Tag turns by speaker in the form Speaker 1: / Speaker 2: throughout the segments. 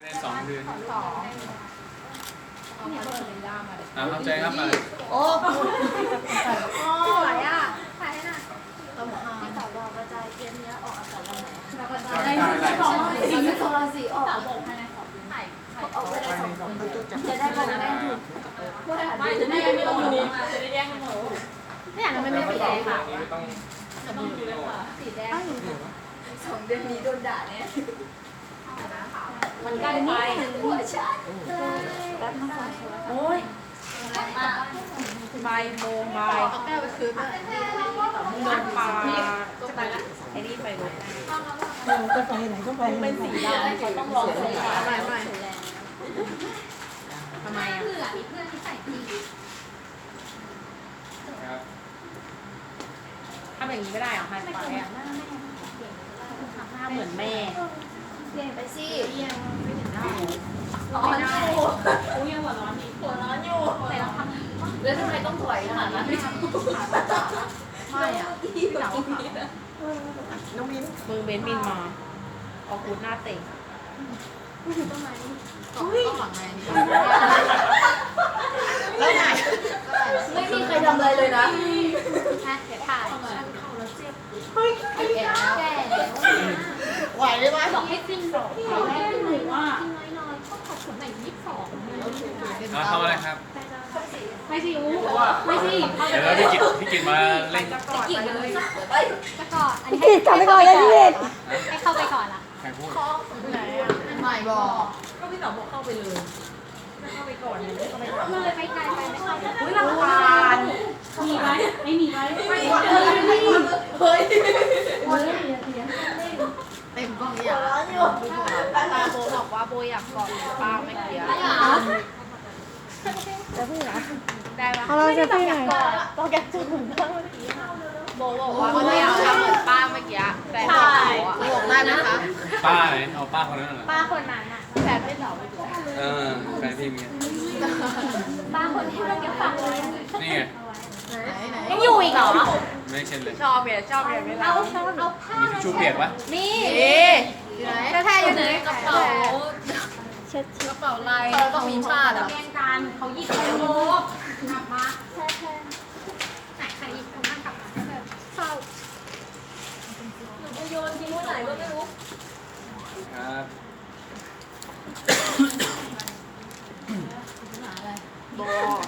Speaker 1: ได้2 เดือน
Speaker 2: เอา
Speaker 1: เข้าใจครับมา
Speaker 2: โอ้สวยอ่ะถ่ายให้หน่อยที่สาวบอกกระจายเกมเนี้ยออกอากาศวันไหนกระจายได้2 โทรสีออกบอกภายใน2 เดือนเอาไปได้2 คนจะได้บอกแม่ถูกไม่จะได้ไม่ต้องดูจะได้แย่งกันหมดไม่อยากทำไม่สีแดงค่ะสีแดง2 เดือนนี้โดนด่าเนี่ยมันใกล้ไปหัวฉันแป๊บนึงโอ้ยบ่ายโมงบ่ายเอาแก้วไปคืนด้วยเงินปลาจะไปละไอ้นี่ไปรถจะไปไหนก็ไปเป็นสีดำเขาต้องลองสีฟ้าไม่ทำไมอ่ะมีเพื่อนที่ใส่ดีทำอย่างนี้ไม่ได้หรอไฮไฟอ่ะหน้าเหมือนแม่เปลี่ยนไปสิร้อนอยู่อุ้ยหัวร้อนอีกหัวร้อนอยู่แต่เราทำแล้วทำไมต้องถอยขนาดนั้นไม่อ่ะหนาวน้องมิ้นมือเบนบินมาออกกูดหน้าเตะต้นไม้ต้องหลังไงแล้วไหนไม่มีใครทำอะไรเลยนะเดี๋ยวถ่ายไหวได้ไหมบอกให้ฟินบอกให้ฟินหน่อยว่าน้อยๆก็ขอบคุณหน่อย22
Speaker 1: ทำอะไรครับ
Speaker 2: ไม่สิไม่สิ
Speaker 1: เดี๋ยวพี่กิตมาเล่น
Speaker 2: จะกินเลยจะก่อนอันนี้
Speaker 3: พี่กลับไปก่อนเลยพี่
Speaker 2: ให้เข้าไปก่อนล่ะ
Speaker 1: ใครพูด
Speaker 2: ไหนอ่ะไม่บอกก็พี่สาวบอกเข้าไปเลยเข้าไปก่อนเลยเข้าไปก่อนเลยไปไกลไปไม่เข้าอุ้ยรำคาญมีไหมไม่มีไหมไม่เฮ้ยเต็มกล้องอย่างตาโบบอกว่าโบอยากกอดป้าเมื่อกี้
Speaker 3: จะพี่เหรอ
Speaker 2: ได้ปะ
Speaker 3: เราจะพี่ไหน
Speaker 2: ต้องแกจุ่มบ้างโบบอกว่าโบอยากทำเหมือนป้าเมื่อกี้แต่ไม่บอกได้ไหมคะ
Speaker 1: ป้าไหนเอาป้าคนนั้นเหรอ
Speaker 2: ป้าคนนั้นอะแต่ไม่หล่อไปดู
Speaker 1: แฟนพี่มี
Speaker 2: ป้าคนที่เราเก็บฝากไว้
Speaker 1: นี่ไง
Speaker 2: ยังอยู่อีกเหรอ
Speaker 1: ไม่เช่นเลย
Speaker 2: ชอบเวลาเอาผ้า
Speaker 1: มีทิชชู่เปียกปะ
Speaker 2: มีแต่แท้อยู่ในกระเป๋า
Speaker 3: เช็ด
Speaker 2: กระเป๋าลายต้องมีผ้าเหรอแกงการเขาหยิบไปโอ้กลับมาไหนใครหยิบคนนั่งกลับมาเศร้าหนูไปโยนทิ้งไว้ไหนก็ไม่รู้
Speaker 1: ครับ
Speaker 2: โบ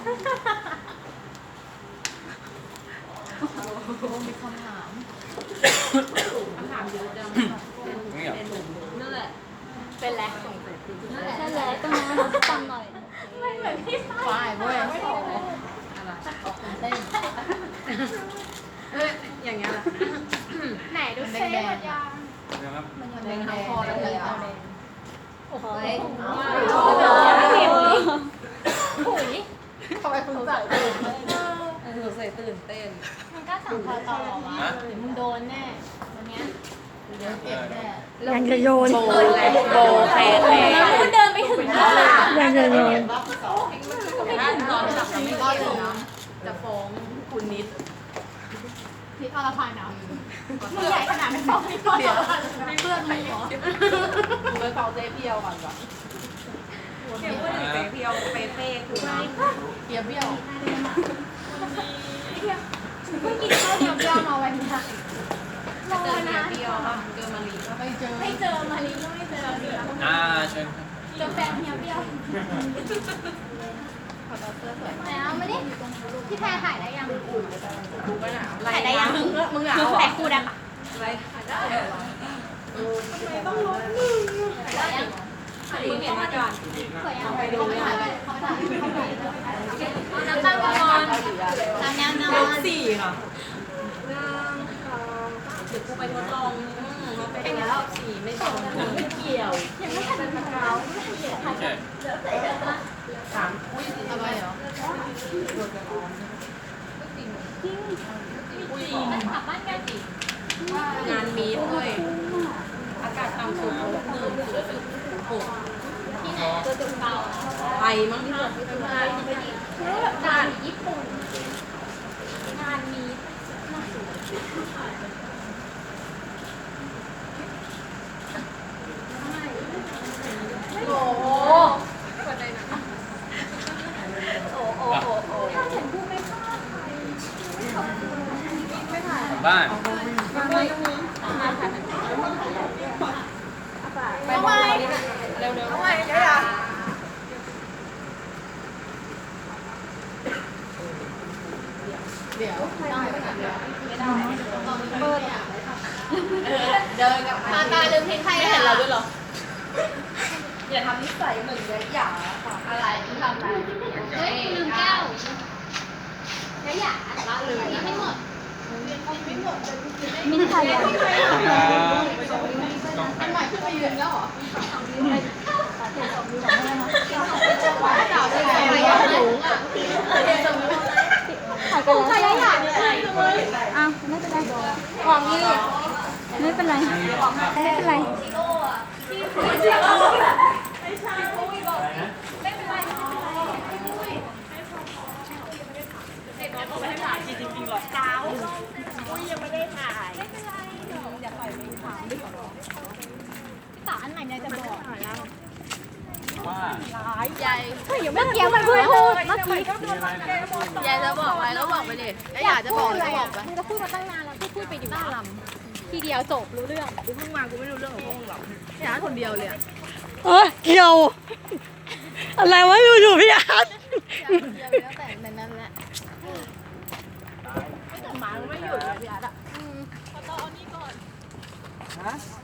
Speaker 2: มีคำถามเยอะจังนั่นแหละเป็นแรกส่งเสร็จนั่นแหละต้องฟังหน่อยไม่เหมือนพี่ฝ้ายเว้ยไม่พออะไรออกเต้นอย่างเงี้ยล่ะไหนดูเซ่หมดยังมันยังแดงทั้งคอแล้วเลยอ่ะโอ้โหหุยทำไมคุณใส่ตื่นเต้นมันก็สั่งคอต่อวะมึงโดนแน่วันเนี้ยเดี๋ยวเก็บแน่
Speaker 3: ยังจะโยน
Speaker 2: โบแคแล้วคุณเดินไปถึงแล้ว
Speaker 3: ยังจะโยน
Speaker 2: ไม่ถึงรอบจับไม่รอดเลยนะจะฟ้องคุณนิดนิดอรพันธ์นะมึงใหญ่ขนาดไม่ฟ้องนิดเดียวไม่เพื่อนใครหรอมึงไปฟ้องเจ๊เพียวก่อนก่อนเจ๊เพียวเป้คือเพียวเบี้ยวเพิ่งกินข้าวเดียวเบี้ยวมาวันนี้ค่ะรอนะเดียวค่ะเจอมาลีก็ไม่เจอมาลีก็ไม่เจอเดี๋ยว
Speaker 1: เชิญ
Speaker 2: เจอแฟนเพียวเบี้ยวขอตัวเสื้อสวยแล้วไม่ได้พี่แพรถ่ายได้ยังถ่ายได้ยังมึงเหงาแต่คู่ได้ปะอะไรถ่ายได้ทำไมต้องลบมือถ่ายยังมึงเห็นมาก่อนสวยยังไปดูเลยน้ำตาลก่อนน้ำยก4ค่ะเดี๋ยวกูไปทดลองไปแล้ว4ไม่ตรงไม่เกี่ยวยังไม่ทันเป็นเท้าไม่เกี่ยวถ่ายแล้วแต่3อุ้ยอะไรเหรอจริงมันกลับบ้านกันสิงานมีด้วยอากาศต่ำสุด1.6ที่ไหนตัวจุดเบาไปมั้งค่ะงานญี่ปุ่นงานมีไม่โง่ทำไมเดี๋ยวเดินกับตาลืมเพลงใครไม่เห็นเราด้วยหรออย่าทำนิสัยเหมือนยะหยาค่ะอะไรที่ทำอะไรเฮ้ยลืมแก้วยะหยาละเลยไม่หมดมินไทย
Speaker 1: ครับ
Speaker 2: อันใหม่ขึ้นมายืนแล้วเหรอสาวเป็นอะไรสูงอ่ะถ่ายกันแล้วใช่ไหมอ้าวไม่เป็นไรกล่องนี้ไม่เป็นไรไม่เป็นไรตาอันไหนเนี่ยจะบอก
Speaker 1: ว่า
Speaker 2: ใหญ่
Speaker 3: เมื่อกี้มันพูดเมื่อกี้
Speaker 2: ใหญ่จะบอกอะไรก็บอกไปดิแล้วอยากจะบอกอะไรก็บอกไป
Speaker 3: มึงจะพูดมาตั้งนานแล้วพูดไปอยู่หน้าลำทีเดียวจบรู้เรื่อง
Speaker 2: กูเพิ่งมากูไม่รู้เรื่องของพวกมึงหรอกพี่อาร์ตคนเดียวเลยอะ
Speaker 3: เกี่ยว อะไรวะอยู่ๆพี่อาร์ต
Speaker 2: คนเดียวเลยตั้งแต่ในนั้นแหละไม่แต่หมาไม่หยุดเลยพี่อาร์ตอะ
Speaker 1: ฮะ